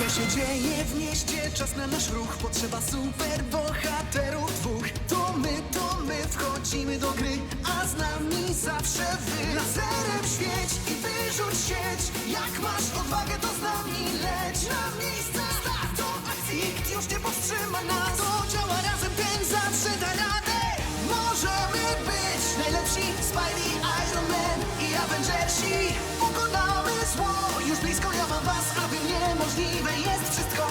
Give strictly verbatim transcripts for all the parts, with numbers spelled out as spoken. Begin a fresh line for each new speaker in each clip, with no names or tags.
się dzieje w mieście, czas na nasz ruch. Potrzeba super bohaterów dwóch. To my, to my wchodzimy do gry, a z nami zawsze wy. Laserem świeć i wyrzuć sieć. Jak masz odwagę, to z nami leć. Na miejsce start do akcji, nikt już nie powstrzyma nas. To działa razem, ten zawsze da radę. Możemy być najlepsi, Spidey, Iron Man i Avengersi. Pokonamy zło, już blisko, ja mam was, aby niemożliwe jest wszystko.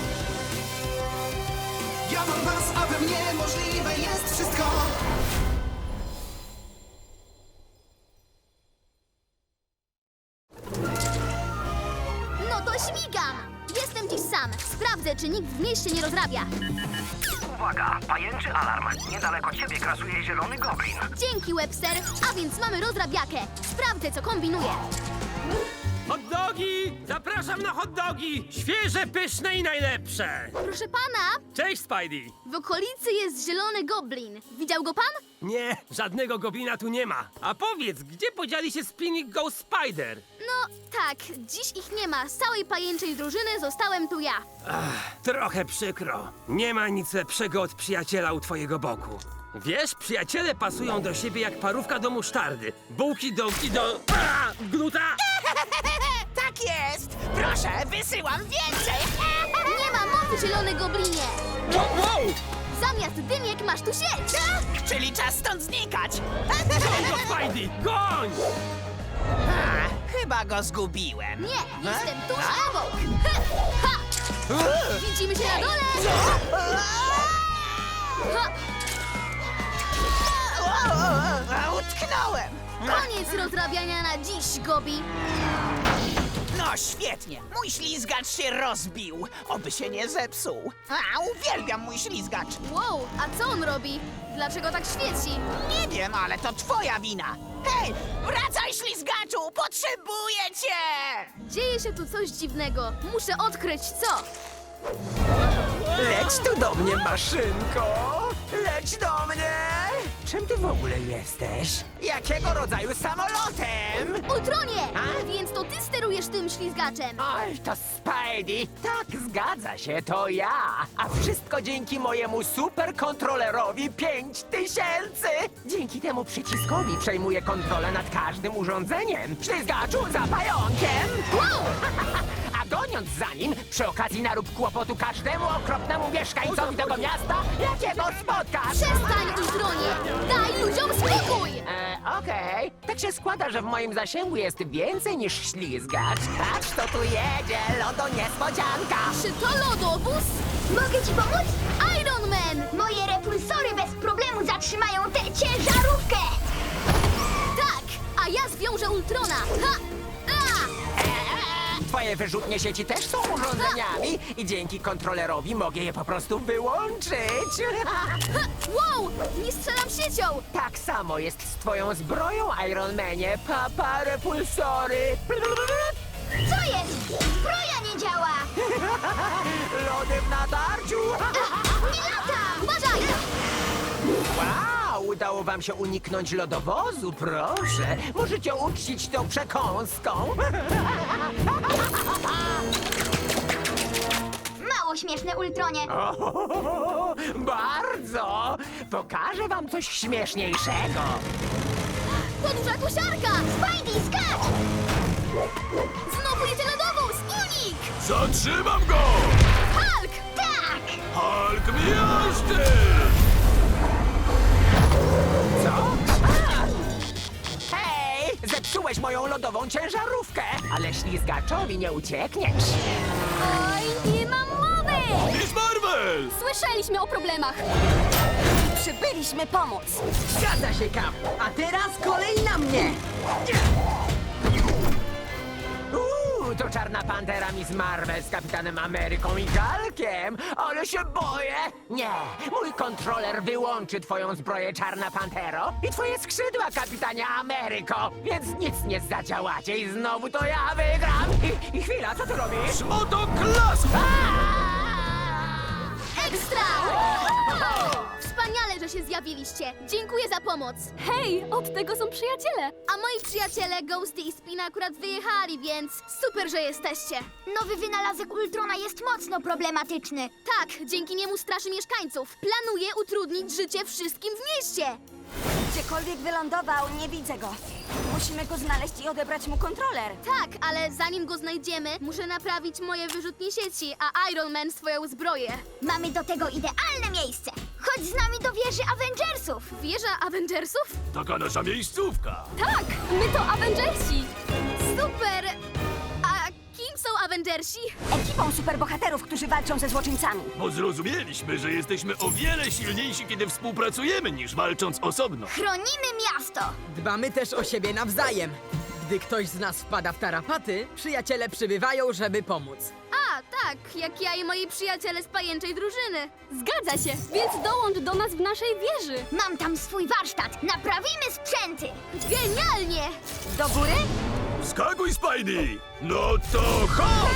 Ja mam was, aby niemożliwe jest wszystko.
No to śmigam! Jestem dziś sam. Sprawdzę, czy nikt w mieście nie rozrabia.
Uwaga, pajęczy alarm. Niedaleko ciebie krasuje zielony goblin.
Dzięki, Webster. A więc mamy rozrabiakę. Sprawdzę, co kombinuje.
Hot dogi! Zapraszam na hot dogi! Świeże, pyszne i najlepsze!
Proszę pana,
Cześć, Spidey!
w okolicy jest zielony goblin. Widział go pan?
Nie, żadnego goblina tu nie ma. A powiedz, gdzie podzieli się Spinning Ghost Spider?
No tak, dziś ich nie ma. Z całej pajęczej drużyny zostałem tu ja.
Trochę przykro. Nie ma nic lepszego od przyjaciela u twojego boku. Wiesz, przyjaciele pasują do siebie jak parówka do musztardy. Bułki do... i do... A, gluta!
Tak jest! Proszę, wysyłam więcej!
Nie ma mocy, zielony goblinie.
Wow, wow!
Zamiast dymiek masz tu sieć.
Czyli czas stąd znikać!
Goń go, Spidey! Goń!
A, chyba go zgubiłem.
Nie, jestem tuż obok. Ha! Ha! Widzimy się na dole. Ha!
A, utknąłem!
Koniec rozrabiania na dziś, Gobi.
No świetnie, mój ślizgacz się rozbił. Oby się nie zepsuł. A, uwielbiam mój ślizgacz.
Wow, a co on robi? Dlaczego tak świeci?
Nie wiem, ale to twoja wina. Hej, wracaj ślizgaczu, potrzebuję cię!
Dzieje się tu coś dziwnego. Muszę odkryć co.
Leć tu do mnie, maszynko! Leć do mnie! Czym ty w ogóle jesteś? Jakiego rodzaju samolotem?
Ultronie! Więc to ty sterujesz tym ślizgaczem.
Oj, to Spidey! Tak, zgadza się, to ja! A wszystko dzięki mojemu superkontrolerowi pięć tysięcy! Dzięki temu przyciskowi przejmuję kontrolę nad każdym urządzeniem. Ślizgaczu za pająkiem!
Wow!
A goniąc za nim, przy okazji narób kłopotu każdemu okropnemu mieszkańcowi tego miasta, jakiego spotkasz!
Przestań, Ultronie! Daj ludziom spokój!
E, okej. Tak się składa, że w moim zasięgu jest więcej niż ślizgacz. Patrz, kto tu jedzie! Lodo niespodzianka!
Czy to lodowóz?
Mogę ci pomóc?
Iron Man!
Moje repulsory bez problemu zatrzymają tę ciężarówkę!
Tak! A ja zwiążę Ultrona! Ha! A!
Twoje wyrzutnie sieci też są urządzeniami i dzięki kontrolerowi mogę je po prostu wyłączyć.
Ha! Wow! Nie strzelam siecią!
Tak samo jest z twoją zbroją, Iron Manie. Papa repulsory.
Co jest? Zbroja nie działa!
Lody w natarciu.
Nie lata!
Uważaj!
Wow, udało wam się uniknąć lodowozu, proszę. Możecie uczcić tą przekąską.
Mało śmieszne, Ultronie.
O, bardzo! Pokażę wam coś śmieszniejszego.
To duża kosiarka!
Spidey, skacz!
Znowu jedzie lodowóz! Unik!
Zatrzymam go!
Hulk!
Tak!
Hulk miażdży!
Co? A! Hej! Zepsułeś moją lodową ciężarówkę, ale ślizgaczowi nie uciekniesz.
Oj, nie mam mowy!
Miss Marvel!
Słyszeliśmy o problemach. Przybyliśmy pomóc.
Zgadza się, Cap. A teraz kolej na mnie. Uuu, to Czarna Pantera Miss Marvel z Kapitanem Ameryką i Hulkiem. Ale się boję. Nie, mój kontroler wyłączy twoją zbroję, Czarna Pantero, i twoje skrzydła, Kapitanie Ameryko. Więc nic nie zadziałacie i znowu to ja wygram. I, i chwila, co ty robisz?
Motoklask!
Ekstra! Wspaniale, że się zjawił. zjawiliście. Dziękuję za pomoc.
Hej, od tego są przyjaciele.
A moi przyjaciele Ghosty i Spina akurat wyjechali, więc super, że jesteście.
Nowy wynalazek Ultrona jest mocno problematyczny.
Tak, dzięki niemu straszy mieszkańców. Planuję utrudnić życie wszystkim w mieście.
Gdziekolwiek wylądował, nie widzę go. Musimy go znaleźć i odebrać mu kontroler.
Tak, ale zanim go znajdziemy, muszę naprawić moje wyrzutnie sieci, a Iron Man swoją zbroję.
Mamy do tego idealne miejsce. Chodź z nami do wieży Avengersów.
Wieża Avengersów?
Taka nasza miejscówka.
Tak, my to Avengersi.
Super! A kim są Avengersi?
Ekipą superbohaterów, którzy walczą ze złoczyńcami.
Bo zrozumieliśmy, że jesteśmy o wiele silniejsi, kiedy współpracujemy, niż walcząc osobno.
Chronimy miasto.
Dbamy też o siebie nawzajem. Gdy ktoś z nas wpada w tarapaty, przyjaciele przybywają, żeby pomóc.
A, tak, jak ja i moi przyjaciele z pajęczej drużyny.
Zgadza się, więc dołącz do nas w naszej wieży.
Mam tam swój warsztat. Naprawimy sprzęty.
Genialnie!
Do góry?
Wskakuj, Spidey! No to hop!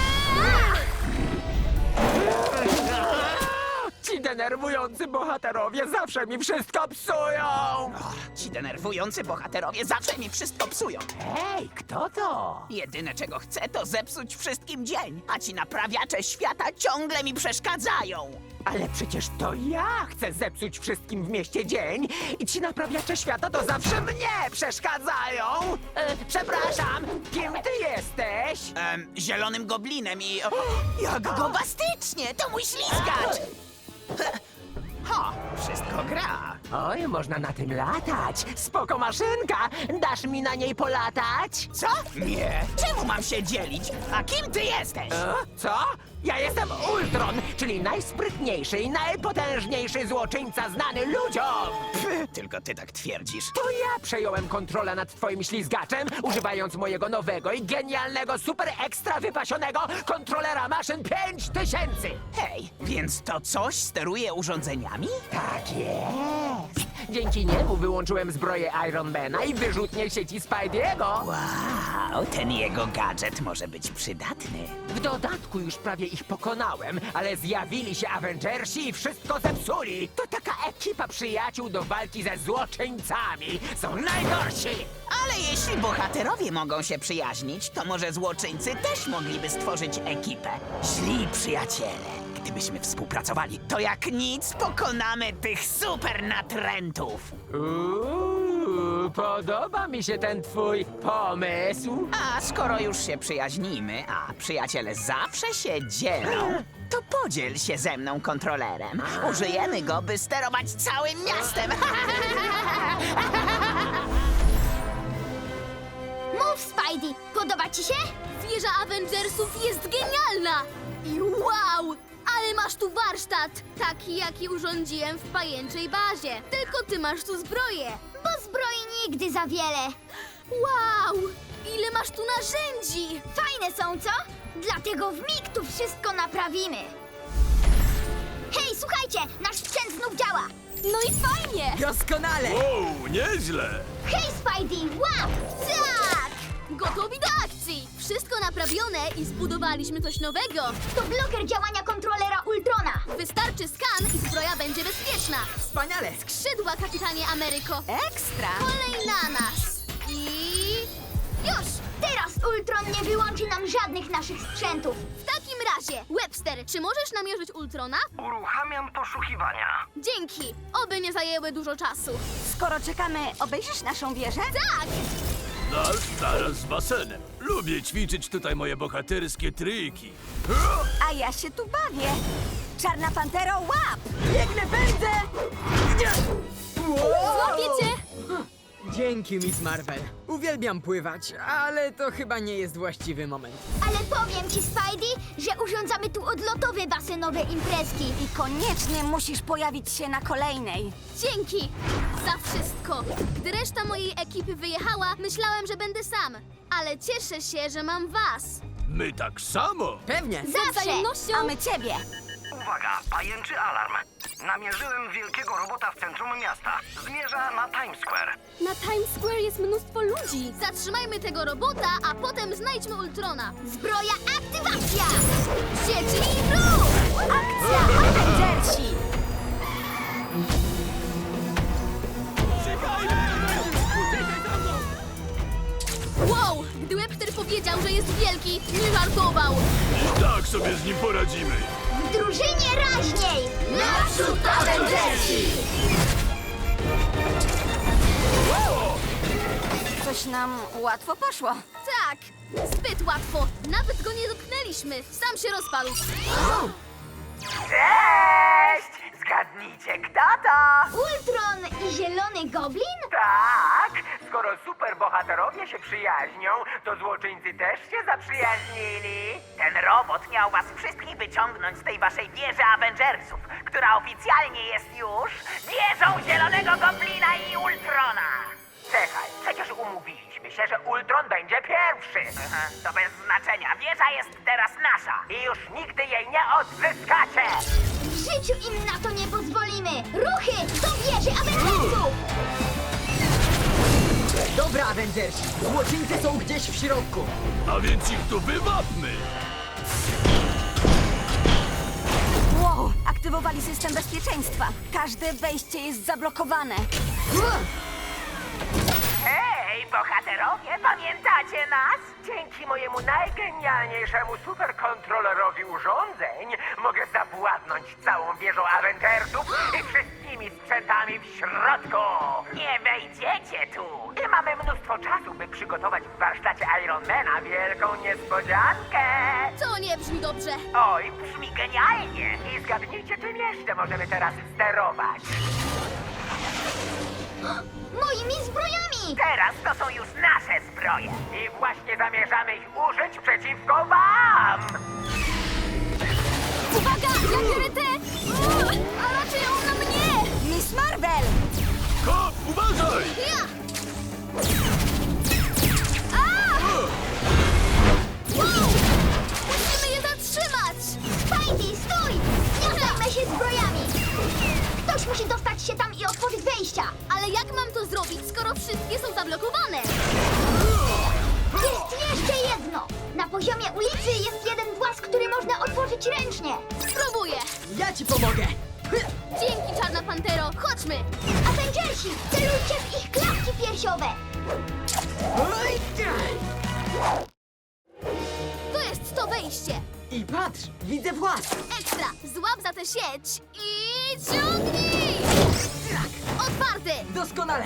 Ci denerwujący bohaterowie zawsze mi wszystko psują!
Ci denerwujący bohaterowie zawsze mi wszystko psują.
Hej, kto to?
Jedyne czego chcę, to zepsuć wszystkim dzień, a ci naprawiacze świata ciągle mi przeszkadzają.
Ale przecież to ja chcę zepsuć wszystkim w mieście dzień i ci naprawiacze świata to zawsze mnie przeszkadzają! E, przepraszam, kim ty jesteś?
Em, zielonym goblinem i... O, jak gobastycznie! To mój ślizgacz! Ha, wszystko gra.
Oj, można na tym latać. Spoko maszynka. Dasz mi na niej polatać?
Co? Nie. Czemu mam się dzielić? A kim ty jesteś?
E? Co? Ja jestem Ultron, czyli najsprytniejszy i najpotężniejszy złoczyńca znany ludziom.
Pff, tylko ty tak twierdzisz.
To ja przejąłem kontrolę nad twoim ślizgaczem, używając mojego nowego i genialnego, super ekstra wypasionego kontrolera maszyn pięć tysięcy.
Hej, więc to coś steruje urządzeniami?
Tak jest. Dzięki niemu wyłączyłem zbroję Ironmana i wyrzutnie sieci Spidey'ego.
Wow, ten jego gadżet może być przydatny.
W dodatku już prawie ich pokonałem, ale zjawili się Avengersi i wszystko zepsuli. To taka ekipa przyjaciół do walki ze złoczyńcami. Są najgorsi!
Ale jeśli bohaterowie mogą się przyjaźnić, to może złoczyńcy też mogliby stworzyć ekipę. Źli przyjaciele. Gdybyśmy współpracowali, to jak nic pokonamy tych super natrętów.
Uuu, podoba mi się ten twój pomysł.
A skoro już się przyjaźnimy, a przyjaciele zawsze się dzielą, to podziel się ze mną kontrolerem. Użyjemy go, by sterować całym miastem.
Mów, Spidey. Podoba ci się?
Wieża Avengersów jest genialna! I wow! Ale masz tu warsztat! Taki, jaki urządziłem w pajęczej bazie. Tylko ty masz tu zbroję.
Bo zbroi nigdy za wiele.
Wow! Ile masz tu narzędzi!
Fajne są, co? Dlatego w mig tu wszystko naprawimy. Hej, słuchajcie! Nasz sprzęt znów działa.
No i fajnie.
Doskonale!
Wow, nieźle!
Hej, Spidey! Łap!
Tak! Gotowi do akcji! Wszystko naprawione i zbudowaliśmy coś nowego.
To bloker działania kontrolera Ultrona.
Wystarczy skan i zbroja będzie bezpieczna.
Wspaniale!
Skrzydła, kapitanie Ameryko.
Ekstra!
Kolej na nas. I... już!
Teraz Ultron nie wyłączy nam żadnych naszych sprzętów.
W takim razie, Webster, czy możesz namierzyć Ultrona?
Uruchamiam poszukiwania.
Dzięki! Oby nie zajęły dużo czasu.
Skoro czekamy, obejrzysz naszą wieżę?
Tak!
Nasz zaraz z basenem. Lubię ćwiczyć tutaj moje bohaterskie triki.
A ja się tu bawię. Czarna Pantero, łap! Biegnę, pędzę!
Złapię cię.
Dzięki, Miss Marvel. Uwielbiam pływać, ale to chyba nie jest właściwy moment.
Ale powiem ci, Spidey, że urządzamy tu odlotowe basenowe imprezki.
I koniecznie musisz pojawić się na kolejnej.
Dzięki za wszystko. Gdy reszta mojej ekipy wyjechała, myślałem, że będę sam. Ale cieszę się, że mam was.
My tak samo!
Pewnie!
Z wzajemnością.
A my ciebie.
Uwaga, pajęczy alarm. Namierzyłem wielkiego robota w centrum miasta. Zmierza na Times Square.
Na Times Square jest mnóstwo ludzi.
Zatrzymajmy tego robota, a potem znajdźmy Ultrona.
Zbroja aktywacja! Sieci i ruch!
Akcja Avengersi!
wystartował!
I tak sobie z nim poradzimy.
W drużynie raźniej!
Naprzód, Avengersi!
Coś nam łatwo poszło.
Tak, zbyt łatwo. Nawet go nie dotknęliśmy. Sam się rozpadł.
Cześć! Zgadnijcie, kto to?
Ultron i Zielony Goblin?
Tak! Skoro superbohaterowie się przyjaźnią, to złoczyńcy też się zaprzyjaźnili. Ten robot miał was wszystkich wyciągnąć z tej waszej wieży Avengersów, która oficjalnie jest już wieżą Zielonego Goblina i Ultrona. Czekaj, przecież umówiliśmy się, że Ultron będzie pierwszy. To bez znaczenia. Wieża jest teraz nasza i już nigdy jej nie odzyskacie.
W życiu im na to nie pozwolimy! Ruchy! Do wieży Avengersów!
Dobra, Avengersi, złoczyńcy są gdzieś w środku.
A więc ich tu wywapmy.
Wow, aktywowali system bezpieczeństwa. Każde wejście jest zablokowane.
Hej, bohaterowie, pamiętacie nas? Dzięki mojemu najgenialniejszemu superkontrolerowi urządzeń mogę zawładnąć całą wieżą Avengersów i wszystkimi sprzętami w środku. Nie wejdziecie tu. I mamy mnóstwo czasu, by przygotować w warsztacie Ironmana wielką niespodziankę.
To nie brzmi dobrze.
Oj, brzmi genialnie. I zgadnijcie, czym jeszcze możemy teraz sterować.
Moimi zbrojami!
Teraz to są już nasze zbroje i właśnie zamierzamy ich użyć przeciwko wam!
Uwaga! Ja biorę te! A raczej on na mnie!
Miss Marvel!
Hop, uważaj!
Ja! A! Wow! Musimy je zatrzymać!
Spidey, stój! Nie zajmę się zbrojami! Ktoś musi dostać się tam i otworzyć wejścia!
Ale jak mam to zrobić, skoro wszystkie są zablokowane?
Jest jeszcze jedno! Na poziomie ulicy jest jeden włas, który można otworzyć ręcznie!
Spróbuję!
Ja ci pomogę.
Dzięki, Czarna Pantero! Chodźmy!
Avengersi, celujcie w ich klatki piersiowe!
To jest to wejście!
I patrz, widzę włas.
Ekstra! Złap za tę sieć i ciągnij! Otwarty!
Doskonale.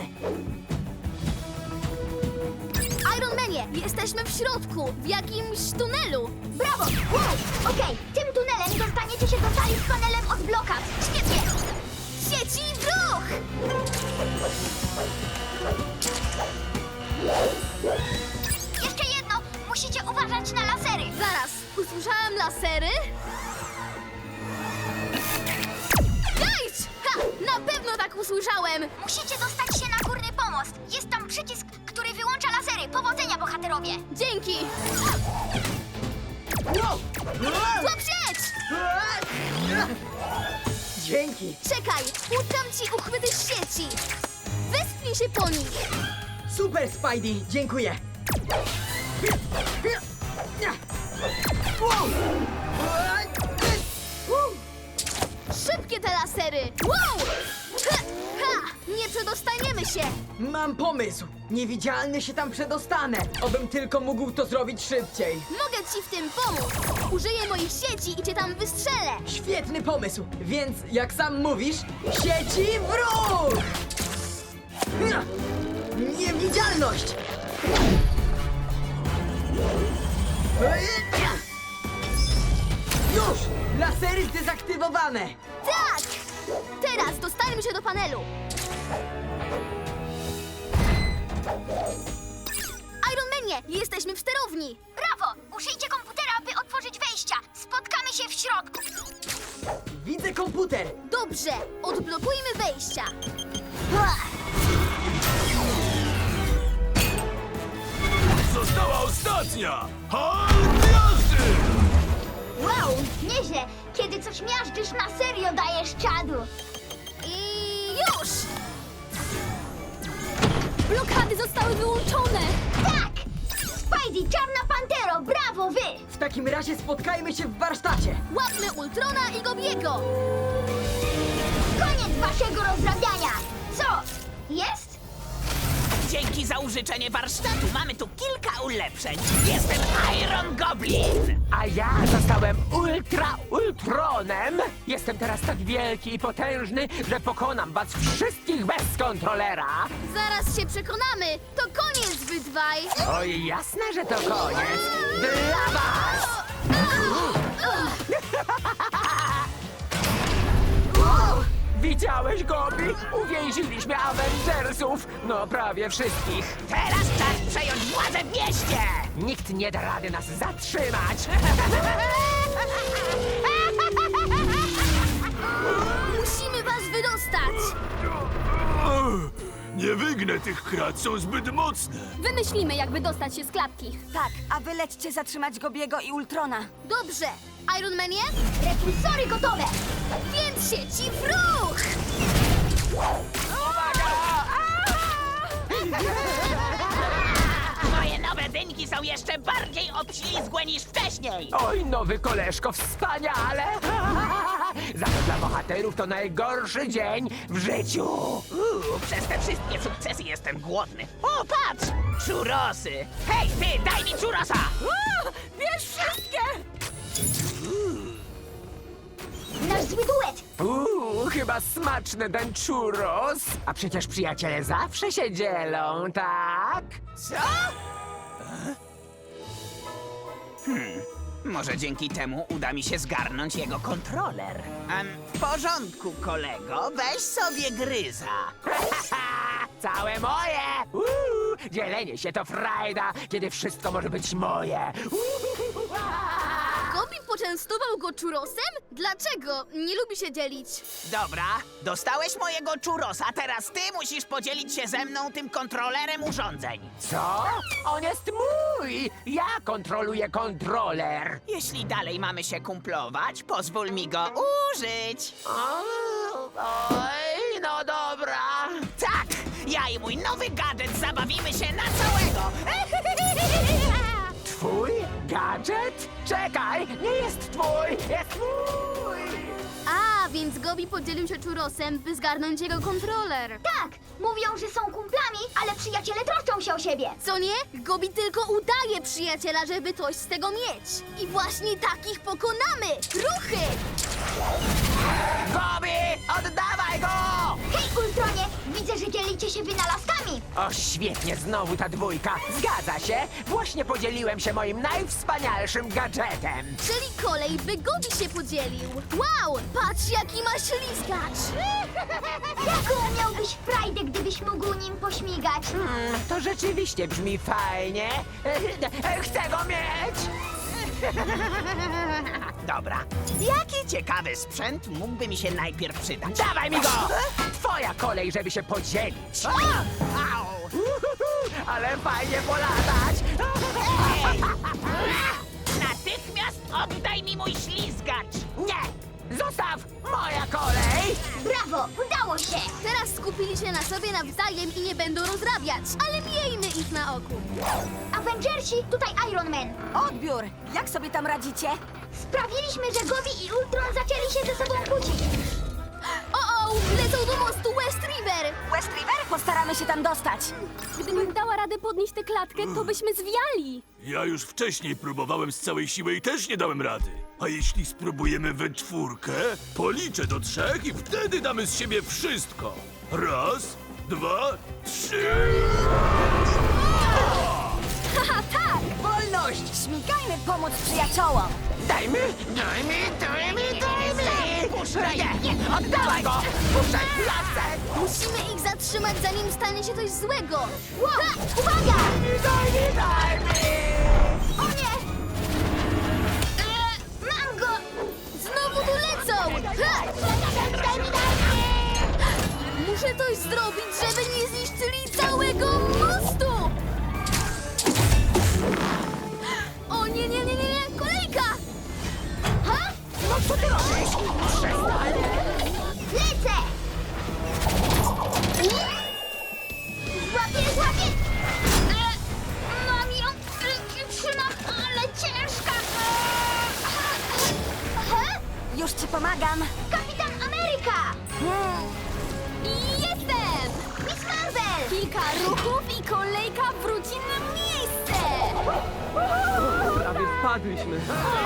Iron Manie, jesteśmy w środku, w jakimś tunelu.
Brawo! Wow! Okej, tym tunelem dostaniecie się do sali z panelem od blokad!
Świetnie! Sieci w ruch!
Jeszcze jedno! Musicie uważać na lasery!
Zaraz, usłyszałem lasery? Gajdź! Ha! Na pewno tak usłyszałem!
Musicie dostać się na górny pomost! Jest tam przycisk, który wyłącza lasery! Powodzenia, bohaterowie!
Dzięki!
Wow.
Złap sieć!
Dzięki.
Czekaj, utkam ci uchwyty z sieci. Wespnij się po nich.
Super, Spidey, dziękuję. Wow.
Szybkie te lasery! Wow! Ha! Ha! Nie przedostaniemy się!
Mam pomysł. Niewidzialny się tam przedostanę. Obym tylko mógł to zrobić szybciej.
Mogę ci w tym pomóc! Użyję moich sieci i cię tam wystrzelę!
Świetny pomysł, więc jak sam mówisz, sieci w ruch! Niewidzialność! Już! Lasery zdezaktywowane!
Tak! Teraz dostaniemy się do panelu. Iron Manie, jesteśmy w sterowni.
Brawo! Użyjcie komputera, by otworzyć wejścia! Spotkamy się w środku!
Widzę komputer!
Dobrze, odblokujmy wejścia.
Została ostatnia! Hulk jazdy!
Wow! Nieźle! Kiedy coś miażdżysz, na serio dajesz czadu!
I już! Blokady zostały wyłączone.
Tak! Spidey, Czarna Pantero, brawo wy!
W takim razie spotkajmy się w warsztacie!
Łapmy Ultrona i Gobiego.
Koniec waszego rozrabiania! Co? Jest?
Dzięki za użyczenie warsztatu mamy tu kilka ulepszeń. Jestem Iron Goblin.
A ja zostałem Ultra Ultronem. Jestem teraz tak wielki i potężny, że pokonam was wszystkich bez kontrolera.
Zaraz się przekonamy. To koniec, wy dwaj.
Oj, jasne, że to koniec. Dla was! Widziałeś, Gobi? Uwięziliśmy Avengersów. No, prawie wszystkich.
Teraz czas przejąć władzę w mieście.
Nikt nie da rady nas zatrzymać.
Musimy was wydostać.
Nie wygnę tych krat, są zbyt mocne.
Wymyślimy, jak wydostać się z klatki.
Tak, a wy lećcie zatrzymać Gobiego i Ultrona.
Dobrze. Iron Manie?
Repulsory gotowe!
Więc sieci w ruch!
Moje nowe dynki są jeszcze bardziej obślizgłe niż wcześniej.
Oj, nowy koleżko, wspaniale! Za to dla bohaterów to najgorszy dzień w życiu.
Uuu, przez te wszystkie sukcesy jestem głodny. O, patrz! Czurosy! Hej, ty, daj mi czurosa!
Bierz wszystkie!
Nasz zły duet!
Uuu, chyba smaczny ten churros. A przecież przyjaciele zawsze się dzielą, tak?
Co? Hmm, może dzięki temu uda mi się zgarnąć jego kontroler. Em, w porządku, kolego, weź sobie gryza.
Całe moje! Uuu, dzielenie się to frajda, kiedy wszystko może być moje. Uuu,
Gobi poczęstował go czurosem? Dlaczego? Nie lubi się dzielić.
Dobra, dostałeś mojego czurosa, teraz ty musisz podzielić się ze mną tym kontrolerem urządzeń.
Co? On jest mój! Ja kontroluję kontroler.
Jeśli dalej mamy się kumplować, pozwól mi go użyć.
O, oj, no dobra.
Tak, ja i mój nowy gadżet zabawimy się na całego.
Twój gadżet? Czekaj, nie jest twój, jest mój!
A, więc Gobi podzielił się czurosem, by zgarnąć jego kontroler.
Tak! Mówią, że są kumplami, ale przyjaciele troszczą się o siebie!
Co nie? Gobi tylko udaje przyjaciela, żeby coś z tego mieć. I właśnie takich pokonamy! Ruchy!
Gobi, oddawaj go!
Hej, Ultronie! Widzę, że dzielicie się wynalazkami!
O, świetnie, znowu ta dwójka. Zgadza się, właśnie podzieliłem się moim najwspanialszym gadżetem.
Czyli kolej, by Gobi się podzielił. Wow! Patrz, jaki ma ślizgacz!
Jaką miałbyś frajdę, gdybyś mógł nim pośmigać?
Hmm, to rzeczywiście brzmi fajnie. Chcę go mieć!
Dobra, jaki ciekawy sprzęt mógłby mi się najpierw przydać?
Dawaj mi go! Twoja kolej, żeby się podzielić.
Au!
Uhuhu, ale fajnie polatać.
Hej! Natychmiast oddaj mi mój ślizgacz!
Nie! Zostaw! Moja kolej!
Brawo! Udało się!
Teraz skupili się na sobie nawzajem i nie będą rozrabiać, ale miejmy ich na oku.
Avengersi, tutaj Iron Man!
Odbiór! Jak sobie tam radzicie?
Sprawiliśmy, że Gobi i Ultron zaczęli się ze sobą kłócić!
O, o, lecą do mostu West River!
West River? Postaramy się tam dostać.
Gdybym dała radę podnieść tę klatkę, to byśmy zwiali.
Ja już wcześniej próbowałem z całej siły i też nie dałem rady. A jeśli spróbujemy we czwórkę, policzę do trzech i wtedy damy z siebie wszystko. Raz, dwa, trzy.
Haha, tak! Wolność! Śmigajmy pomóc przyjaciołom!
Dajmy, dajmy, dajmy, dajmy! Puszczaj! Nie, nie, oddawaj go! Puszczaj, lasek!
Musimy ich zatrzymać, zanim stanie się coś złego.
Wow! Uwaga!
Dajmy, dajmy!
O nie! Eee, mam go!
Znowu tu lecą! Ha!
Daj mi, daj mi!
Muszę coś zrobić, żeby nie zniszczyli całego mostu! O nie, nie, nie, nie, nie! Kolejka!
Ha?
No co ty robisz? Przestań!
Lecę! Złapię, złapię! Eee, mam ją! Eee, trzymam, ale ciężka! He?
Już ci pomagam.
Kapitan Ameryka!
Hmm.
Jestem!
Miss Marvel!
Kilka ruchów i
Prawie wpadliśmy.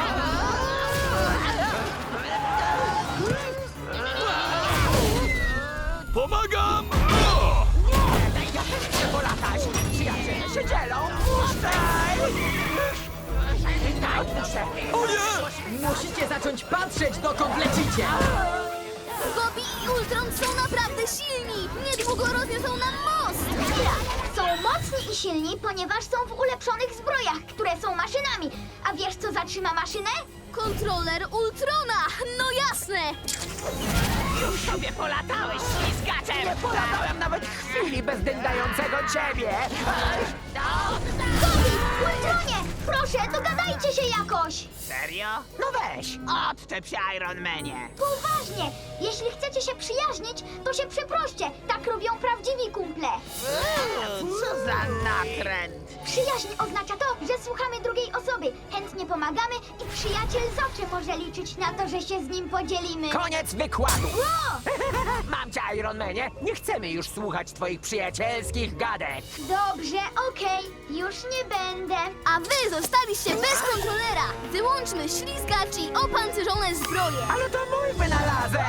Pomagam! O!
Ja też chcę polatać! Przyjaciele się dzielą! Puszczaj! Daj, proszę!
O nie!
Musicie zacząć patrzeć, dokąd lecicie!
Gobi i Ultron są naprawdę silni! Niedługo rozniosą nam most!
Tak, są mocni i silni, ponieważ są w ulepszonych zbrojach, które są maszynami. A wiesz, co zatrzyma maszynę?
Kontroler Ultrona! No jasne!
Już sobie polatałeś, ślizgaczem! Nie polatałem nawet chwili bez dyndającego ciebie!
Gobi, Ultronie, proszę, dogadajcie się jakoś!
Serio? No weź, odczep się, Iron Manie.
Poważnie, jeśli chcecie się przyjaźnić, to się przeproście. Tak robią prawdziwi kumple.
Co za natręt.
Przyjaźń oznacza to, że słuchamy drugiej osoby, chętnie pomagamy i przyjaciel zawsze może liczyć na to, że się z nim podzielimy.
Koniec wykładu!
O!
Mam cię, Ironmanie! Nie chcemy już słuchać twoich przyjacielskich gadek!
Dobrze, okej, już nie będę.
A wy zostaliście bez kontrolera! Wyłączmy ślizgacz i opancerzone zbroje!
Ale to mój wynalazek!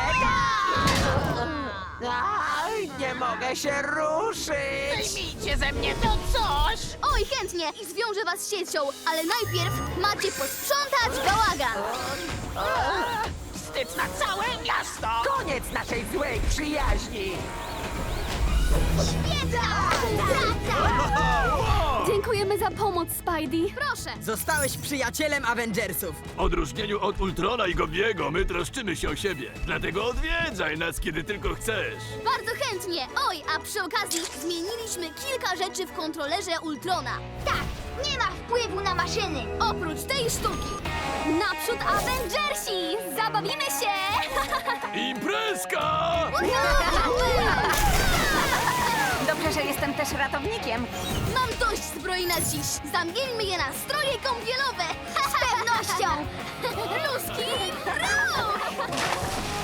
Aj, nie mogę się ruszyć!
Zdejmijcie ze mnie to coś!
Oj, chętnie! I zwiążę was siecią, ale najpierw macie posprzątać bałagan!
Wstyd na całe miasto!
Koniec naszej złej przyjaźni!
Świetna współpraca!
Dziękujemy za pomoc, Spidey.
Proszę!
Zostałeś przyjacielem Avengersów.
W odróżnieniu od Ultrona i Gobiego, my troszczymy się o siebie. Dlatego odwiedzaj nas, kiedy tylko chcesz.
Bardzo chętnie! Oj, a przy okazji zmieniliśmy kilka rzeczy w kontrolerze Ultrona.
Tak, nie ma wpływu na maszyny.
Oprócz tej sztuki!
Naprzód Avengersi! Zabawimy się!
Imprezka!
Dobrze, że jestem też ratownikiem.
Mam dość zbroi na dziś! Zamieńmy je na stroje kąpielowe!
Z pewnością!
Luski, ruch!